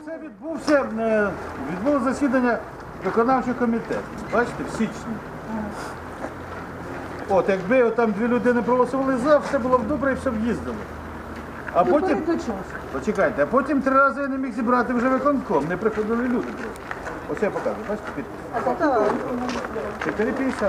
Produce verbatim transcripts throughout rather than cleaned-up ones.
Оце відбувся, е, відбулося засідання виконавчого комітету. Бачите, в січні. От, якби там дві людини проголосували за, все було б добре і все б їздило. А потім, почекайте, а потім три рази я не міг зібрати вже виконком, не приходили люди просто. Ось я покажу, бачите, підпис. чотири п'ятдесят.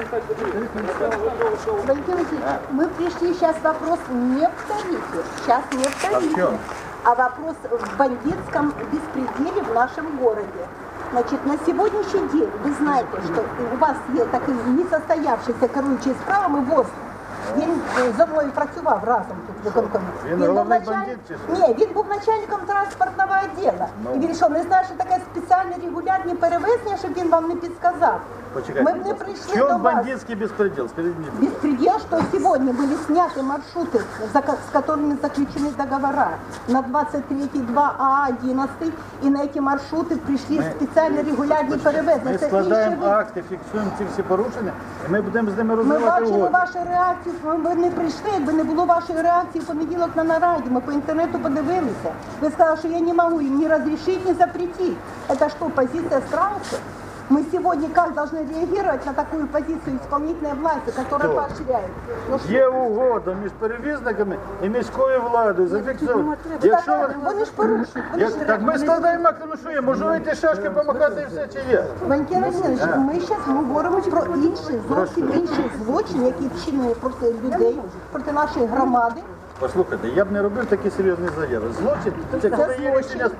Валентин Васильевич, мы пришли сейчас вопрос не в тарифе, сейчас не в тарифе, А в чем? а вопрос в бандитском беспределе в нашем городе. Значит, на сегодняшний день вы знаете, что у вас есть такий несостоявшийся керуючий справами ВОЗ. Він зо мною працював разом тут в виконкомі. Він був головний началь... бандит чи що? Ні, він був начальником транспортного відділу. І він що, не знає, що таке спеціальні регулярні перевезення, щоб він вам не підсказав. Почекайте, Ми б не будь ласка. прийшли В чому до вас. бандитський безпреділ? Скажіть мені. Беспредел, что сегодня были сняты маршруты, за ко- с которыми заключены договора на двадцать третий два А одиннадцать, и на эти маршруты пришли специально регулярні перевезення. Ми Це складаємо інший вид. акти, фіксуємо ці всі порушення, і ми будемо з ними Ми розвивати бачили угоду. вашу реакцію, ви не прийшли, якби не було вашої реакції в понеділок на нараді. Ми по інтернету подивилися. Ви сказали, що я не можу їм ні розрішити, ні запретити. Це що, позиція Страуса? Мы сегодня как должны реагировать на такую позицию исполнительной власти, которая Кто? поощряет? Ну, что? Є угода між перевізниками і міською владою. Зафіксовано. Якщо Так, вони- вони ж порушують. Вони Як, ж так ми складаємо акти, ну що є, можу вийти шашки помахати і все, чи є? Валентин Васильович, ми зараз говоримо про інший, зовсім інший злочин, який вчинили проти людей, проти нашої громади. Послухайте, я б не робив такі серйозні заяви. Злочин – це коли є рішення...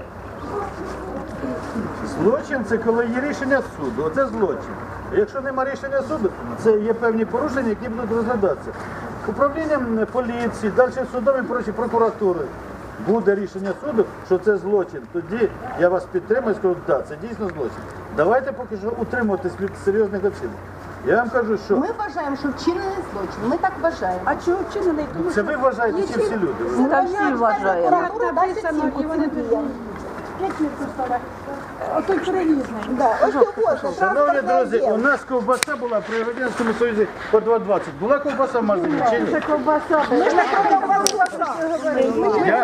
Злочин – це коли є рішення суду. Оце злочин. А якщо немає рішення суду, це є певні порушення, які будуть розглядатися. Управлінням поліції, далі судом і прочі прокуратури. Буде рішення суду, що це злочин. Тоді я вас підтримую і скажу, так, це дійсно злочин. Давайте поки що утримуватись від серйозних оцінок. Я вам кажу, що Ми вважаємо, що вчинений злочин. Ми так вважаємо. А чого вчинений? Тому це ви вважаєте, чи всі люди? Ми вважаємо, що прокуратура дасть написано, оцінку і вони цим діям. Отой перевізник. Да, ось його, Шановні друзі, у нас ковбаса була при Радянському Союзі по два двадцять. Була ковбаса в магазині чи ні? Я...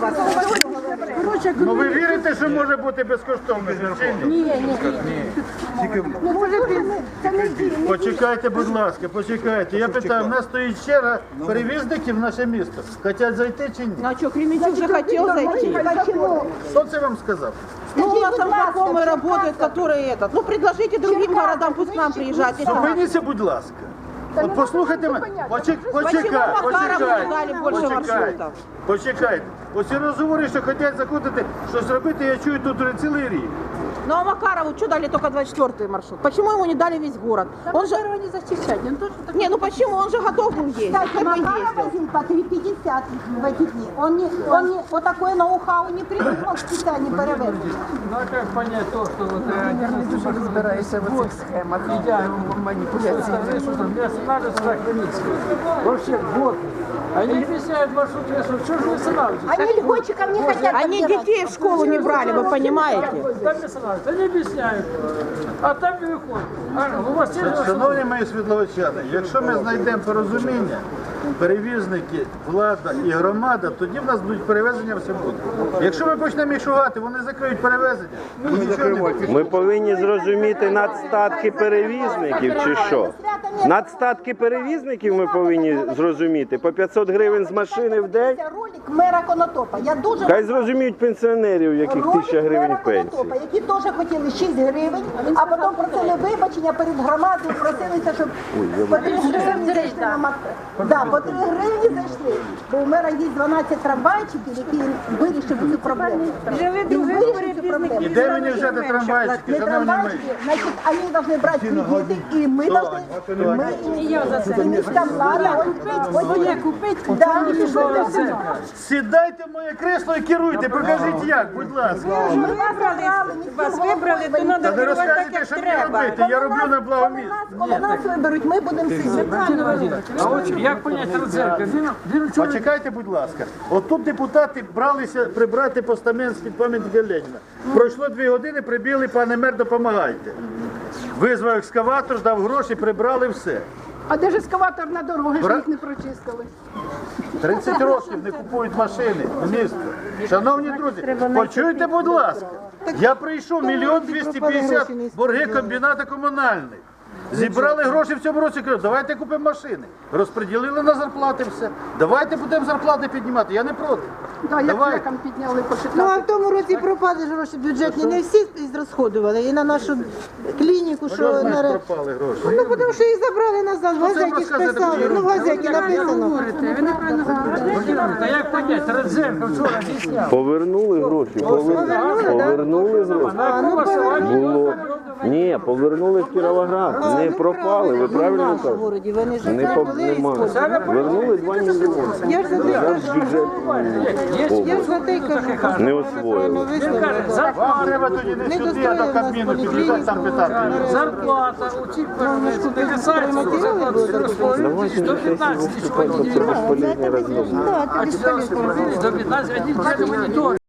Ну ви вірите, що може бути безкоштовно? Чи ні? Почекайте, будь ласка, почекайте. Я питаю, в нас стоїть черга перевізників в наше місто. Хотять зайти чи ні? Ну а что, Кременчук же хотел зайти? Почему? Хто це вам сказав? Ну, у нас там знакомые работают, которые этот. Ну, предложите другим городам, пусть к нам приезжают. Если надо. Зупиніться, будь ласка. От послухайте мене. Почек- Почекайте, Макарову дали почекайте, більше почекайте. маршрутів? Почекайте. Оці розговори, що хочуть закрутити, щось робити, я чую тут уже цілий рік. Ну, а Макарову что дали только двадцать четвёртый маршрут? Почему ему не дали весь город? Он же... не зачищать. Не, ну почему? Он же готов был ездить. Кстати, Как бы Макаров ездил. возил по три пятьдесят в эти дни. Он, не, он не, вот такое ноу-хау не придумал специально перевезти. Ну а как понять то, что вот я дуже розбираюся в цих схемах, маніпуляцій. Что там, мне останавливаться так Хмельницкий. Вообще, вот. Они объясняют маршрут лесу, что же вы останавливаетесь? Они льготчикам не хотят Они подбирать. детей в школу не брали, вы понимаете? Там не останавливаются, они объясняют. А там не выходят. А, у вас есть Шановні мої світловичани, якщо ми знайдемо порозуміння, перевізники, влада і громада, тоді в нас будуть перевезення все буде. Якщо ми почнемо їх шугати, вони закриють перевезення. і нічого не буде. Ми повинні зрозуміти надстатки перевізників чи що? Надстатки перевізників ми повинні зрозуміти. По п'ятсот гривень з машини в день. Це ролик мера Конотопа. Я дуже Хай зрозуміють пенсіонерів, яких ролик тисяча гривень мера пенсії. Конотопа, які теж хотіли шість гривень, а потім просили вибачення перед громадою, просилися, щоб по три гривні зайшли на мат. Да, по три гривні зайшли, бо у мера є дванадцять трамвайчиків, які вирішили цю проблему. Він вирішив цю проблему. І де мені взяти трамвайчики, Не шановні мої? трамвайчики, значить, вони должны брати кредити, і ми должны, ми, і міська влада, ось є купити, да, Сідайте в моє кресло і керуйте, покажіть як, будь ласка. ми вибрали, Вас вибрали, то треба Та не розказуйте, що мені робити, я роблю на благо місце. Коли нас виберуть, ми будемо сидіти. А от як понять Рудзенка? Він, він вчора Почекайте, будь ласка. От тут депутати бралися прибрати постамент з-під пам'ятника Леніна. Пройшло дві години, прибігли, пане мер, допомагайте. Визвав екскаватор, дав гроші, прибрали все. А де ж ескаватор на дороги, що Бра- їх не прочистили? тридцять років не купують машини в місто. Шановні друзі, почуйте, будь ласка, я прийшов мільйон двісті п'ятдесят борги комбіната комунальних. Зібрали гроші в цьому році, кажу, давайте купимо машини. Розподілили на зарплати все. Давайте будемо зарплати піднімати, я не проти. Да, як Давай. лекам підняли по Ну а шістнадцять. в тому році пропали ж гроші бюджетні, не всі зрозходували. І на нашу клініку, що Що на... значить пропали гроші? Ну, тому що їх забрали назад, в це газеті ж розказуєте писали. таку Ну, в газеті написано. Та як понять, Радзенко вчора зняв. Повернули гроші, повернули, повернули гроші. На якому основанні? Було. Ні, повернули в Кіровоград. Не пропали, ви правильно в кажете? городі, вони ж Не по нема. Вернули два мільйони. Я ж за те Зараз кажу, бюджет я ж за те й кажу. не освоїли. Вам треба тоді не сюди, а до Кабміну під'їжджати, там питати. Зарплата у цих перевезень не касається зарплати Давайте на сесії виступати, бо це безполезні розмови. А до п'ятнадцять, один тільки монітор.